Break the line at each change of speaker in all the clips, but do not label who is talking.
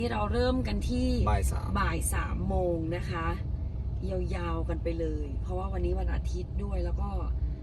ที่เราเริ่มกันที่
บ่าย 3
โมงนะคะยาวๆกันไปเลย เพราะว่าวันนี้วันอาทิตย์ด้วยแล้วก็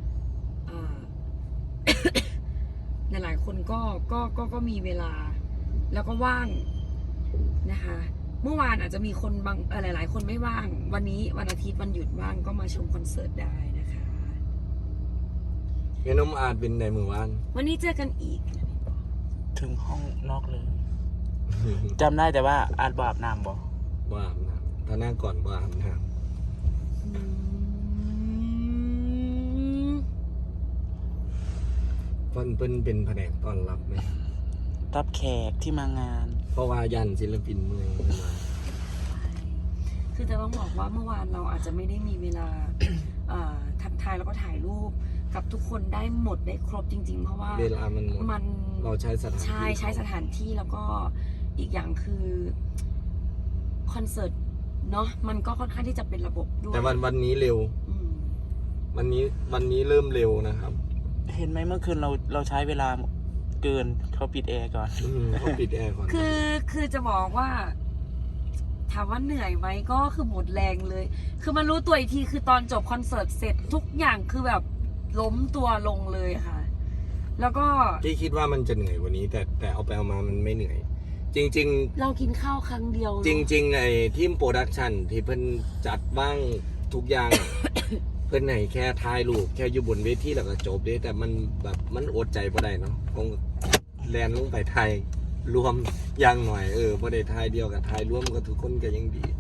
หลายๆคนก็มีเวลา แล้วก็ว่างนะคะ เมื่อวานอาจจะมีคนบางหลายๆคนไม่ว่าง วันนี้วันอาทิตย์วันหยุดว่างก็มาชมคอนเสิร์ตได้นะคะ
เงี้ยน้องอาจเป็นในมือวาน
วันนี้เจอกันอีก
ถึงห้องนอกเลยจำได้แต่ว่าอาจบอาบน้ำบ่
บ้าอาบน้ำถ้าหน้าก่อนบ้าอาบน้ำเป็นแผนกต้อนรับไหม
รับแขกที่มางาน
เพราะว่ายันศิลปินเมืองมา
คือจะต้องบอกว่าเมื่อวานเราอาจจะไม่ได้มีเวลา ทักทายแล้วก็ถ่ายรูปกับทุกคนได้หมดได้ครบจริงๆ เพราะว่า
เวลามันหมดเราใช้สถานที่
ใช้สถานที่แล้วก็อีกอย่างคือคอนเสิร์ตเนาะมันก็ค่อนข้างที่จะเป็นระบบด้วย
แต่วันนี้เร็ววันนี้เริ่มเร็วนะครับ
เห็นไหมเมื่อคืนเราใช้เวลาเกินเขาปิดแอร์ก่อน
เขาปิดแอร์ก่อน
คือจะบอกว่าถามว่าเหนื่อยไหมก็คือหมดแรงเลย คือมันรู้ตัวอีกทีคือตอนจบคอนเสิร์ตเสร็จทุกอย่างคือแบบล้มตัวลงเลยค่ะ แล้วก็
ที่คิดว่ามันจะเหนื่อยกว่านี้ แต่เอาไปเอามามันไม่เหนื่อย จริงๆ
เรากินข้าวครั้งเดียว
จริงๆไอ้ทีมโปรดักชันที่เพิ่นจัดบ้างทุกอย่าง เพิ่นให้แค่ถ่ายรูปแค่อยู่บนเวทีแล้วก็จบเด้แต่มันแบบมันอดใจบ่ได้เนาะคงแลนลงไปถ่ายรวมอย่างหน่อยบ่ได้ถ่ายเดียวกับถ่ายรวมกับทุกคนก็ยังดี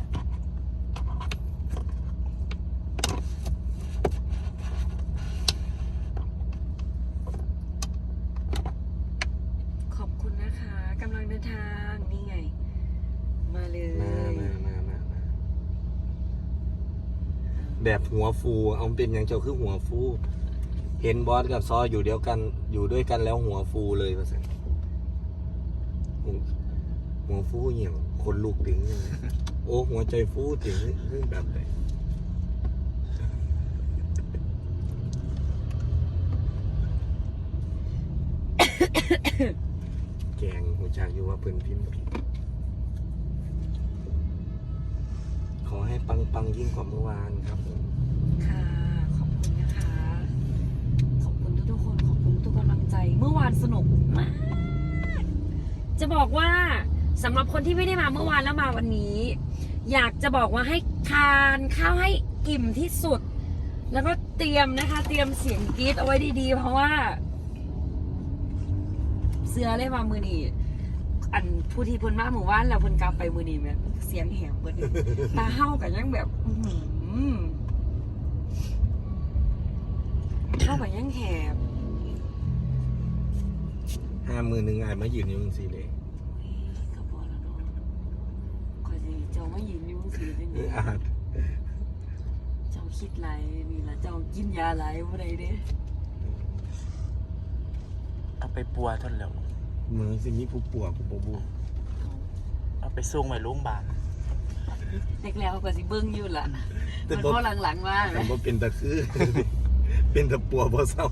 ขอบคุณนะคะกำลังเดินทางนี่ไงมาเลย
มาแบบหัวฟูเอาเป็นอย่างเจ้าคือหัวฟูเห็นบอสกับซออยู่ด้วยกันแล้วหัวฟูเลยว่าซั่นหัวฟูเหี่ยวคนลูกถึงโอ้หัวใจฟูถึงแบบไหนแกงหัวใจอยู่ว่าเพิ่นพิมพ์ผิดขอให้ปังยิ่งกว่าเมื่อวานครับผม
ค่ะขอบคุณนะคะขอบคุณทุกคนขอบคุณทุกกำลังใจเมื่อวานสนุกมากจะบอกว่าสำหรับคนที่ไม่ได้มาเมื่อวานแล้วมาวันนี้ อยากจะบอกว่าให้ทานข้าวให้อิ่มที่สุดแล้วก็เตรียมนะคะเตรียมเสียงกรี๊ดเอาไว้ดีๆเพราะว่าเสือเลยมามือนีอันผู้ที่พ้นมาหมู่บ้านแล้วพ้นกลับไปมือนีแบบเสียงแหบเบิดตาเห่ากันยังแบบเห่ากันยังแหบ
50,000ไงมายืนอยู่จังซี่เลย
ก็พอแล้วเนาะคอยสิเจ้ามายืนอยู่จังซี่จังได๋เจ้าคิดไรนี่ล่ะเจ้ากินยาไรบ่ได้เด้
เอาไปปัวท่านแล้ว
เหมือนสิมีผู้ป่วยผู้บ่
เอาไปส่งไปโรงพยาบาล
เด็กแล้วก็สิเบิ่งอยู่ล่ะมันพอหลังๆมา
แต่บ่เป็นตะคือ เป็นตะปัวบ่เศร้า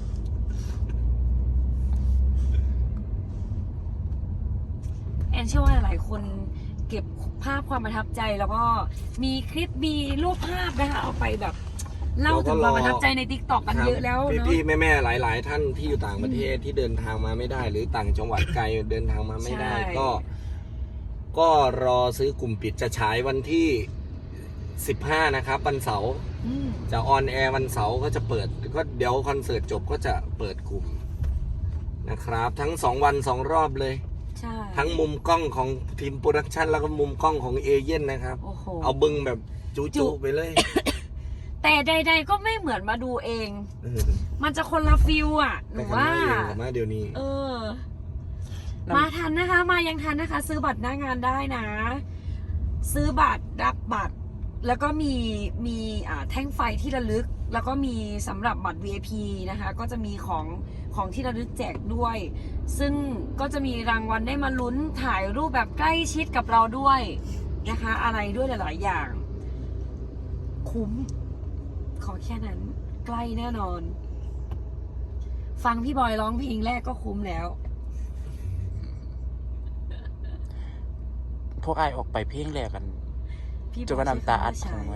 แอนเชื่อว่าหลายคนเก็บภาพความประทับใจแล้วก็มีคลิปมีรูปภาพนะคะเอาไปแบบเล่าถึงความประทับใจใน TikTok กันเยอะแล้วเนาะ
พี่ๆแม่ๆหลายๆท่านที่อยู่ต่างประเทศที่เดินทางมาไม่ได้หรือต่างจังหวัดไกลเดินทางมาไม่ได้ก็รอซื้อกลุ่มปิดจะฉายวันที่15นะครับวันเสาร์จะออนแอร์วันเสาร์ก็จะเปิดก็เดี๋ยวคอนเสิร์ตจบก็จะเปิดกลุ่มนะครับทั้ง2วัน2รอบเลยทั้งมุมกล้องของทีมโปรดักชันแล้วก็มุมกล้องของเอเย่นนะครับเอาบึงแบบจุๆไปเลย
แต่ใดๆก็ไม่เหมือนมาดูเองมันจะคนละฟิลอ่ะหนูว่า
มาเดี๋ยวนี้
มาทันนะคะมายังทันนะคะซื้อบัตรหน้างานได้นะซื้อบัตรรับบัตรแล้วก็มีแท่งไฟที่ระลึกแล้วก็มีสำหรับบัตร VIP นะคะก็จะมีของที่ระลึกแจกด้วยซึ่งก็จะมีรางวัลได้มาลุ้นถ่ายรูปแบบใกล้ชิดกับเราด้วยนะคะอะไรด้วยหลายๆอย่างคุ้มขอแค่นั้นใกล้แน่นอนฟังพี่บอยร้องเพลงแรกก็คุ้มแล้ว
พวกไอายออกไปเพลงแรกกัน
พี่
จนว่าน้ำตาอัดคงไว้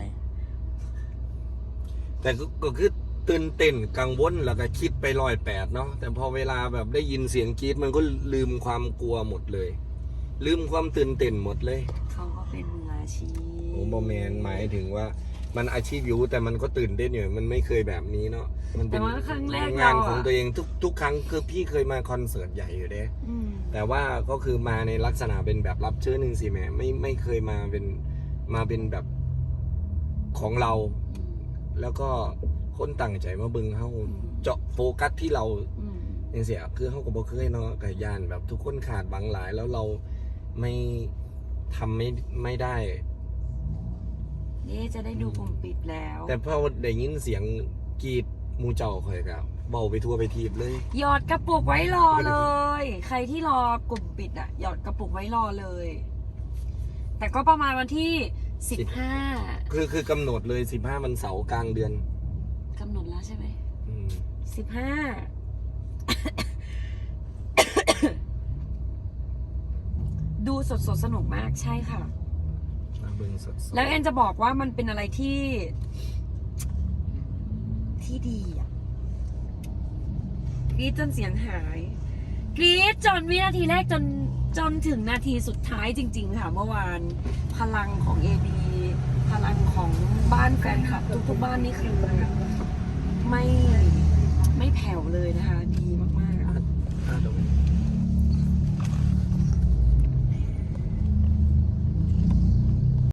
แต่ก็คือตื่นเต้นกังวลแล้วก็คิดไป108เนาะแต่พอเวลาแบบได้ยินเสียงกรี๊ดมันก็ลืมความกลัวหมดเลย ลืมความตื่นเต้นหมดเลย
เขาก็เป็นมืออาชีพ
โอ้บอแมนหมายถึงว่ามันอาชีพอยู่แต่มันก็ตื่นเต้นอยู่มันไม่เคยแบบนี้เนาะมันเป็น
แต่ว่าครั้งแรก
งาน
เรา
ของตัวเองทุกครั้งคือพี่เคยมาคอนเสิร์ตใหญ่อยู่เด้
อืม
แต่ว่าก็คือมาในลักษณะเป็นแบบรับเชิญหนึ่งสิแม่ไม่เคยมาเป็นแบบของเรา แล้วก็คนตั้งใจมาเบิ่งเฮาเจาะโฟกัสที่เรา
อืม
อย่างเสียคือเฮาก็บ่เคยเนาะกับยานแบบทุกคนขาดบังหลายแล้วเราไม่ทำไม่ได้
นี่จะได้ดูกลุ่มปิดแล้ว
แต่พอได้ยินเสียงกรีดหมูเจ้าข่อยก็เบาไปทั่วไปทีบเลย
หยอดกระปุกไว้รอเลย ใครที่รอกลุ่มปิดอ่ะหยอดกระปุกไว้รอเลย แต่ก็ประมาณวันที่15
คือกำหนดเลย15วันเสาร์กลางเดือน
กำหนดแล้วใช่ไหม
อืม
15 ดูสดสนุกมากใช่ค่ะ
มาเบิ่งสดๆ
แล้วแอนจะบอกว่ามันเป็นอะไรที่ดีอ่ะกรี๊ดจนเสียงหายกรี๊ดจนวินาทีแรกจนถึงนาทีสุดท้ายจริงๆค่ะเมื่อวานพลังของ AB พลังของบ้านแฟนคลับทุกๆบ้านนี่คือไม่แผ่วเลยนะคะ ดีมากๆ
อ่ะเดี๋ยว